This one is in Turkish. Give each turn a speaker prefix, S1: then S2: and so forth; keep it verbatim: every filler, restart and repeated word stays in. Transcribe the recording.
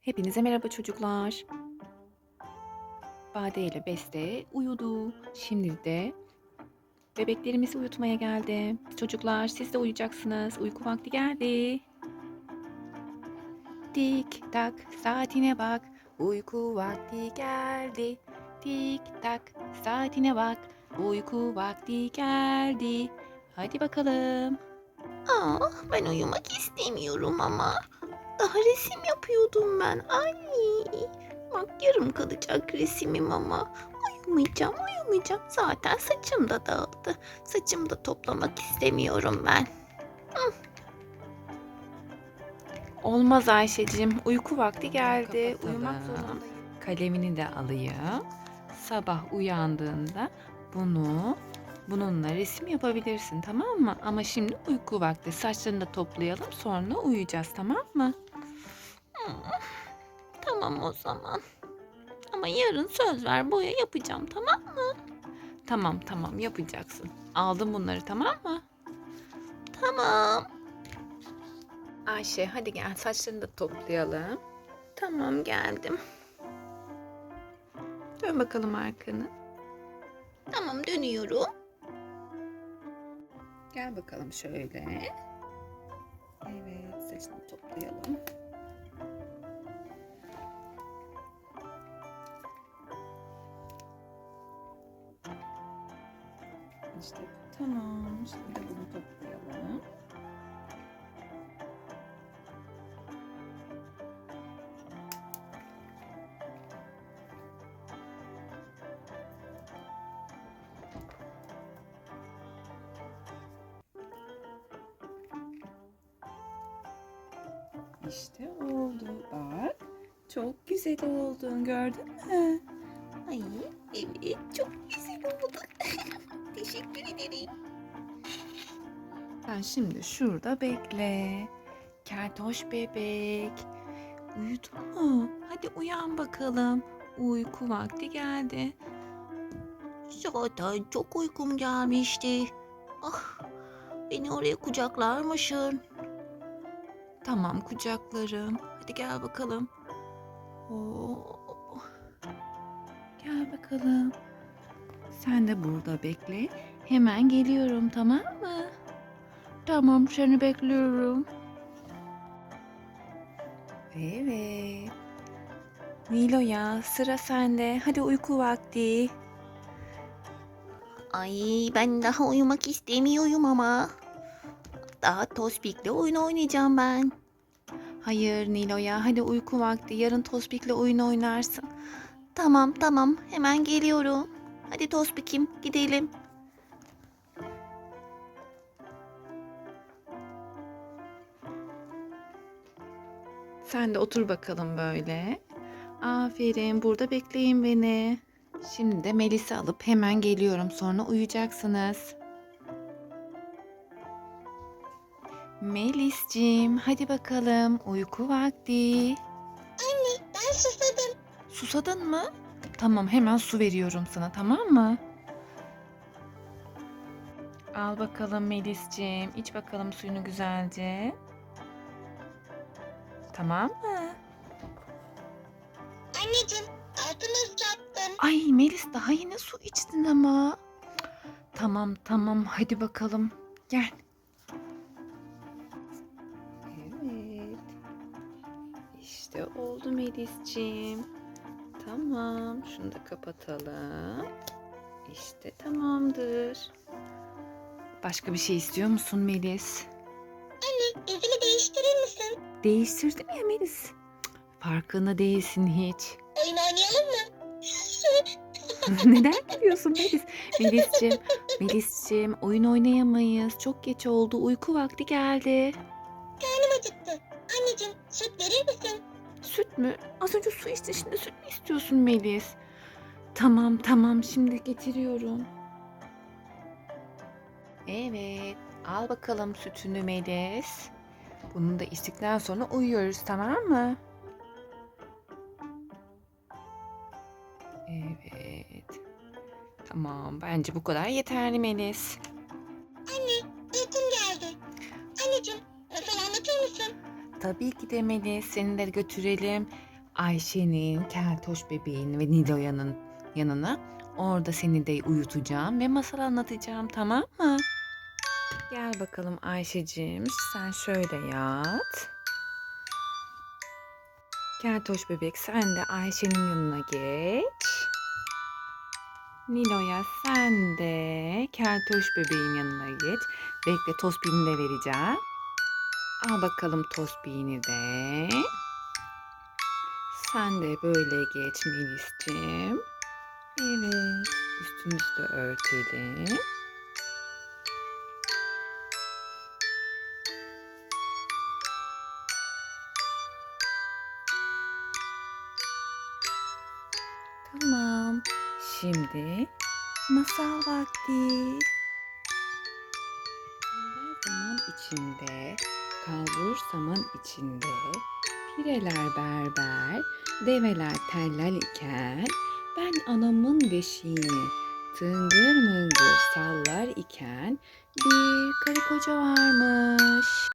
S1: Hepinize merhaba çocuklar. Bade ile Beste uyudu. Şimdi de bebeklerimizi uyutmaya geldi. Çocuklar siz de uyuyacaksınız. Uyku vakti geldi. Tik tak saatine bak. Uyku vakti geldi. Tik tak saatine bak. Uyku vakti geldi. Hadi bakalım.
S2: Ah, ben uyumak istemiyorum ama. Daha resim yapıyordum ben. Ay, bak yarım kalacak resimim ama. Uyumayacağım, uyumayacağım. Zaten saçım da dağıldı. Saçımı da toplamak istemiyorum ben.
S1: Olmaz Ayşe'cim. Uyku vakti geldi.
S2: Kapatalım.
S1: Uyumak zorundayım. Kalemini de alayım. Sabah uyandığında bunu bununla resim yapabilirsin, tamam mı? Ama şimdi uyku vakti. Saçlarını da toplayalım, sonra uyuyacağız, tamam mı?
S2: Hmm, tamam o zaman. Ama yarın söz ver, boya yapacağım, tamam mı?
S1: Tamam tamam yapacaksın. Aldım bunları, tamam mı?
S2: Tamam.
S1: Ayşe hadi gel, saçlarını da toplayalım.
S2: Tamam, geldim.
S1: Dön bakalım arkanı.
S2: Tamam, dönüyorum.
S1: Gel bakalım şöyle. Evet, saçını toplayalım. İşte tamam. Şimdi de bunu toplayalım. İşte oldu. Bak. Çok güzel oldun. Gördün mü?
S2: Ay, evet, çok güzel oldu. Teşekkür ederim.
S1: Sen şimdi şurada bekle. Keltoş bebek. Uyudun mu? Hadi uyan bakalım. Uyku vakti geldi.
S2: Zaten çok uykum gelmişti. Ah, beni oraya kucaklar mısın?
S1: Tamam kucaklarım. Hadi gel bakalım. Oo. Gel bakalım. Sen de burada bekle. Hemen geliyorum, tamam mı? Tamam, seni bekliyorum. Evet. Nilo'ya sıra sende. Hadi uyku vakti.
S2: Ay, ben daha uyumak istemiyorum ama. Daha Tospik'le oyun oynayacağım ben.
S1: Hayır Nilo'ya, hadi uyku vakti. Yarın Tospik'le oyun oynarsın.
S2: Tamam tamam, hemen geliyorum. Hadi Tospik'im, gidelim.
S1: Sen de otur bakalım böyle. Aferin, burada bekleyin beni. Şimdi de Melis'i alıp hemen geliyorum. Sonra uyuyacaksınız. Melis'cim, hadi bakalım. Uyku vakti.
S2: Ben susadım.
S1: Susadın mı? Tamam, hemen su veriyorum sana, tamam mı? Al bakalım Melis'cim. İç bakalım suyunu güzelce. Tamam mı?
S2: Anneciğim, altını ıslattım.
S1: Ay Melis daha yine su içtin ama. Tamam tamam hadi bakalım. Gel. Evet. İşte oldu Melis'ciğim. Tamam. Şunu da kapatalım. İşte tamamdır. Başka bir şey istiyor musun Melis?
S2: Yüzünü değiştirir misin?
S1: Değiştirdim ya Melis. Cık, farkında değilsin hiç.
S2: Oyun oynayalım mı?
S1: Neden gülüyorsun Melis? Melis'ciğim, Melis'ciğim oyun oynayamayız. Çok geç oldu. Uyku vakti geldi.
S2: Karnım acıktı. Anneciğim, süt verir misin?
S1: Süt mü? Az önce su içtin, şimdi süt mü istiyorsun Melis? Tamam tamam şimdi getiriyorum. Evet, al bakalım sütünü Melis. Bunu da içtikten sonra uyuyoruz, tamam mı? Evet. Tamam, bence bu kadar yeterli Melis.
S2: Anne, uykum geldi. Anneciğim, masal anlatır mısın?
S1: Tabii ki de Melis, seni de götürelim. Ayşe'nin, Keltoş bebeğin ve Nilo'yanın yanına. Orada seni de uyutacağım ve masal anlatacağım, tamam mı? Gel bakalım Ayşe'cim, sen şöyle yat. Keltoş bebek, sen de Ayşe'nin yanına geç. Nilo'ya, sen de Keltoş bebeğin yanına geç. Bekle, Tospik'ini de vereceğim. Al bakalım Tospik'ini de. Sen de böyle geç Melis'ciğim. Evet, üstümüzü de örtelim. Tamam. Şimdi masal vakti. Ender zaman içinde, kalbur saman içinde, pireler berber, develer tellal iken, ben anamın beşiğini tıngır mıngır sallar iken, bir karı koca varmış.